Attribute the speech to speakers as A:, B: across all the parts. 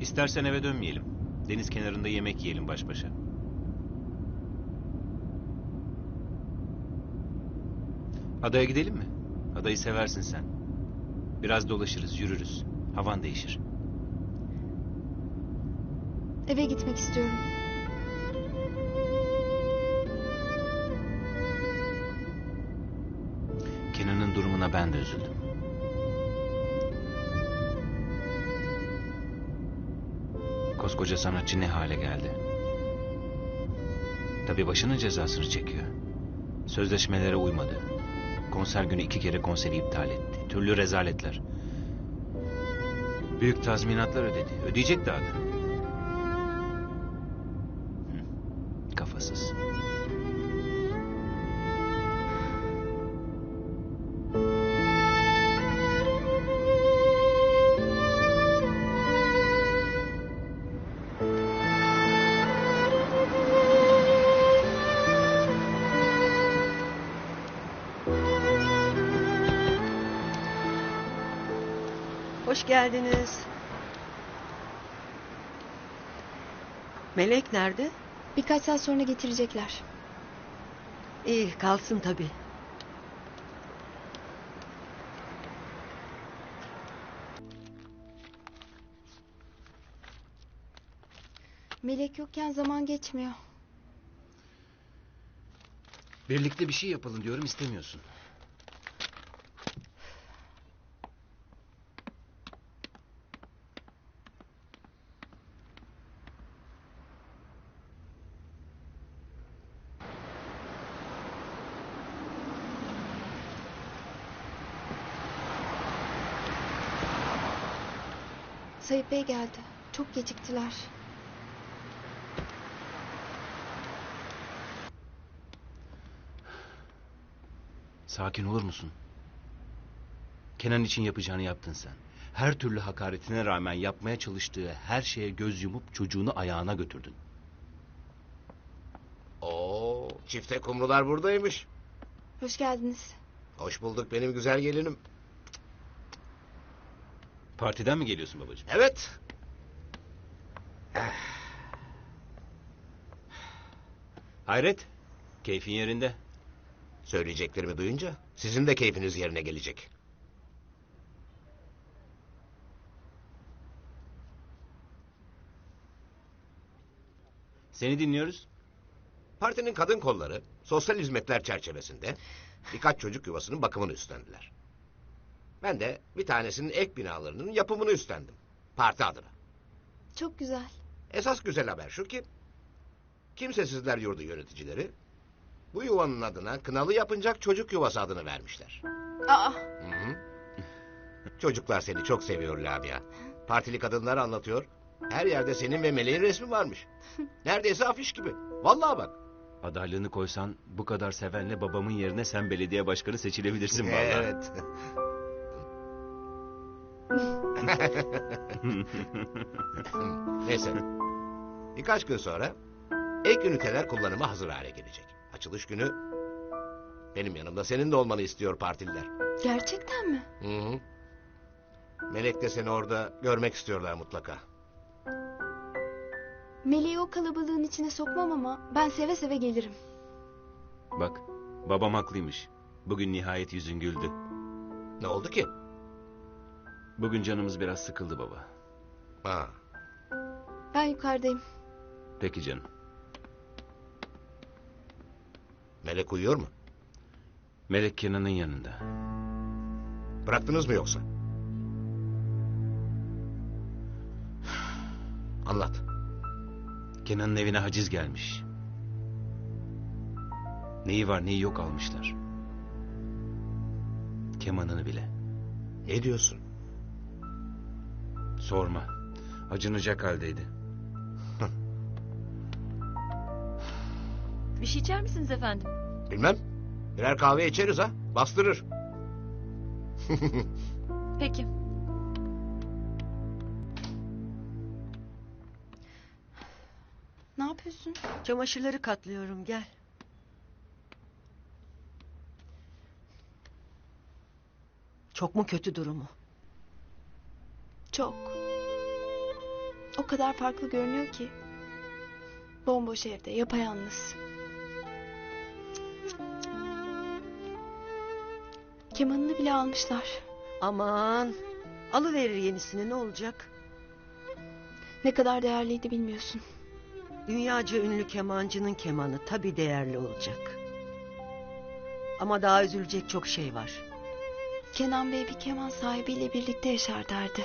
A: İstersen eve dönmeyelim. Deniz kenarında yemek yiyelim baş başa. Adaya gidelim mi? Adayı seversin sen. Biraz dolaşırız, yürürüz. Havan değişir.
B: Eve gitmek istiyorum.
A: Kenan'ın durumuna ben de üzüldüm. Koskoca sanatçı ne hale geldi? Tabii başının cezasını çekiyor. Sözleşmelere uymadı. Konser günü 2 kere konseri iptal etti. Türlü rezaletler. Büyük tazminatlar ödedi. Ödeyecek daha da. Kafasız.
C: Hoş geldiniz. Melek nerede?
B: Birkaç saat sonra getirecekler.
C: İyi, kalsın tabii.
B: Melek yokken zaman geçmiyor.
A: Birlikte bir şey yapalım diyorum, istemiyorsun.
B: Sayıp Bey geldi. Çok geciktiler.
A: Sakin olur musun? Kenan için yapacağını yaptın sen. Her türlü hakaretine rağmen yapmaya çalıştığı her şeye göz yumup çocuğunu ayağına götürdün.
D: Oo, çifte kumrular buradaymış.
B: Hoş geldiniz.
D: Hoş bulduk benim güzel gelinim.
A: Partiden mi geliyorsun babacığım?
D: Evet.
A: Hayret, keyfin yerinde.
D: Söyleyeceklerimi duyunca sizin de keyfiniz yerine gelecek.
A: Seni dinliyoruz.
D: Partinin kadın kolları sosyal hizmetler çerçevesinde birkaç çocuk yuvasının bakımını üstlendiler. Ben de bir tanesinin ek binalarının yapımını üstlendim. Parti adına.
B: Çok güzel.
D: Esas güzel haber şu ki Kimsesizler Yurdu yöneticileri bu yuvanın adına Kınalı Yapıncak Çocuk Yuvası adını vermişler.
B: Aa,
D: Hı-hı. Çocuklar seni çok seviyor Lamia. Partili kadınlar anlatıyor. Her yerde senin ve Meleğin resmi varmış. Neredeyse afiş gibi. Vallahi bak.
A: Adaylığını koysan bu kadar sevenle babamın yerine sen belediye başkanı seçilebilirsin vallahi.
D: Evet. Neyse. Birkaç gün sonra ek üniteler kullanıma hazır hale gelecek. Açılış günü benim yanımda senin de olmanı istiyor partililer.
B: gerçekten mi?
D: Hı-hı. Melek de seni orada görmek istiyorlar mutlaka.
B: Meleği o kalabalığın içine sokmam ama ben seve seve gelirim.
A: Bak, babam haklıymış. Bugün nihayet yüzün güldü.
D: Ne oldu ki?
A: Bugün canımız biraz sıkıldı baba.
D: Ha.
B: Ben yukarıdayım.
A: Peki canım.
D: Melek uyuyor mu?
A: Melek Kenan'ın yanında.
D: Bıraktınız mı yoksa? Anlat.
A: Kenan'ın evine haciz gelmiş. Neyi var neyi yok almışlar. Kemanını bile.
D: Ne diyorsun?
A: Sorma. Acınacak haldeydi.
E: Bir şey içer misiniz efendim?
D: Bilmem. Birer kahve içeriz ha. Bastırır.
E: Peki.
B: Ne yapıyorsun?
C: Çamaşırları katlıyorum, gel. Çok mu kötü durumu?
B: Çok. O kadar farklı görünüyor ki. Bomboş evde, yapayalnız. Kemanını bile almışlar.
C: Aman. Alıverir yenisini, ne olacak?
B: Ne kadar değerliydi bilmiyorsun.
C: Dünyaca ünlü kemancının kemanı tabii değerli olacak. Ama daha üzülecek çok şey var.
B: Kenan Bey bir keman sahibiyle birlikte yaşar derdi.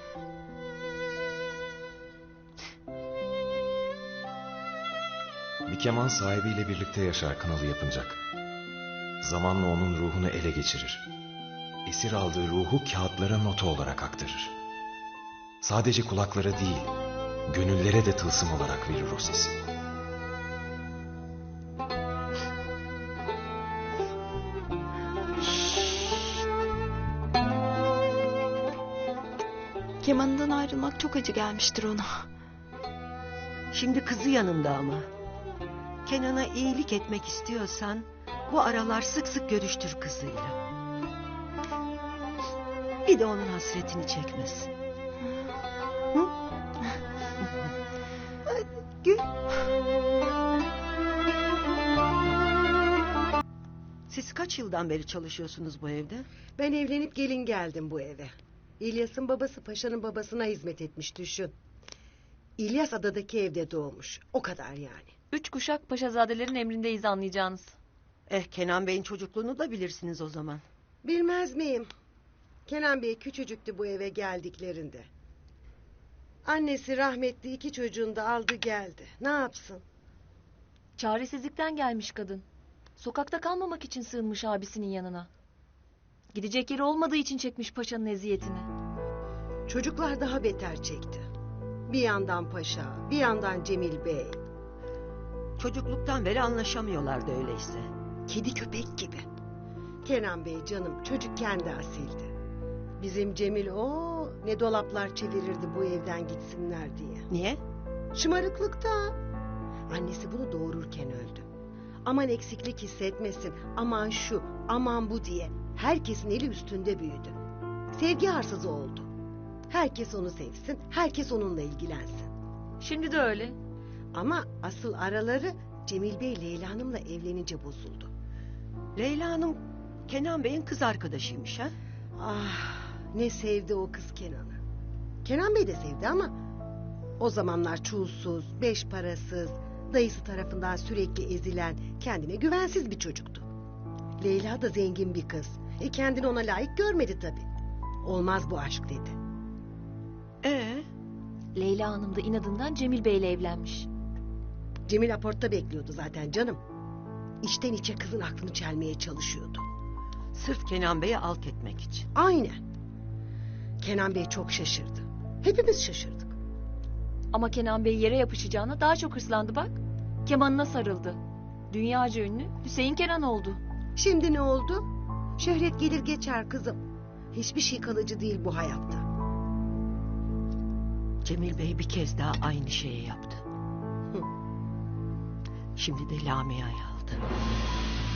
F: Bir keman sahibiyle birlikte yaşar kınalı yapınacak. Zamanla onun ruhunu ele geçirir. Esir aldığı ruhu kağıtlara nota olarak aktarır. Sadece kulaklara değil, gönüllere de tılsım olarak verir o sesi.
B: Kemanından ayrılmak çok acı gelmiştir ona.
C: Şimdi kızı yanında ama. Kenan'a iyilik etmek istiyorsan bu aralar sık sık görüştür kızıyla. Bir de onun hasretini çekmesin. Hı? Hadi gül. Siz kaç yıldan beri çalışıyorsunuz bu evde?
G: Ben evlenip gelin geldim bu eve. İlyas'ın babası Paşa'nın babasına hizmet etmiş düşün. İlyas adadaki evde doğmuş. O kadar yani.
E: 3 kuşak paşazadelerin emrindeyiz anlayacağınız.
C: Kenan Bey'in çocukluğunu da bilirsiniz o zaman.
G: Bilmez miyim? Kenan Bey küçücüktü bu eve geldiklerinde. Annesi rahmetli 2 çocuğunu da aldı geldi. Ne yapsın?
E: Çaresizlikten gelmiş kadın. Sokakta kalmamak için sığınmış abisinin yanına. Gidecek yeri olmadığı için çekmiş paşanın eziyetini.
G: Çocuklar daha beter çekti. Bir yandan Paşa, bir yandan Cemil Bey.
C: Çocukluktan beri anlaşamıyorlardı öyleyse.
G: Kedi köpek gibi. Kenan Bey canım çocukken de asildi. Bizim Cemil ne dolaplar çevirirdi bu evden gitsinler diye.
C: Niye?
G: Şımarıklıkta. Annesi bunu doğururken öldü. Aman eksiklik hissetmesin, aman şu, aman bu diye. Herkesin eli üstünde büyüdü. Sevgi arsızı oldu. Herkes onu sevsin, herkes onunla ilgilensin.
E: Şimdi de öyle.
G: Ama asıl araları Cemil Bey Leyla Hanım'la evlenince bozuldu.
C: Leyla Hanım Kenan Bey'in kız arkadaşıymış ha?
G: Ah, ne sevdi o kız Kenan'ı. Kenan Bey de sevdi ama o zamanlar çulsuz, beş parasız, dayısı tarafından sürekli ezilen, kendine güvensiz bir çocuktu. Leyla da zengin bir kız. Kendini ona layık görmedi tabii. Olmaz bu aşk dedi.
E: Leyla Hanım da inadından Cemil Bey'le evlenmiş.
G: Cemil aportta bekliyordu zaten canım. İçten içe kızın aklını çelmeye çalışıyordu.
C: Sırf Kenan Bey'i alt etmek için.
G: Aynen. Kenan Bey çok şaşırdı. Hepimiz şaşırdık.
E: Ama Kenan Bey yere yapışacağına daha çok hırslandı bak. Kemanına sarıldı. Dünyaca ünlü Hüseyin Kenan oldu.
G: Şimdi ne oldu? Şöhret gelir geçer kızım. Hiçbir şey kalıcı değil bu hayatta.
C: Cemil Bey bir kez daha aynı şeyi yaptı.
G: Hı.
C: Şimdi de Lamia'yı aldı.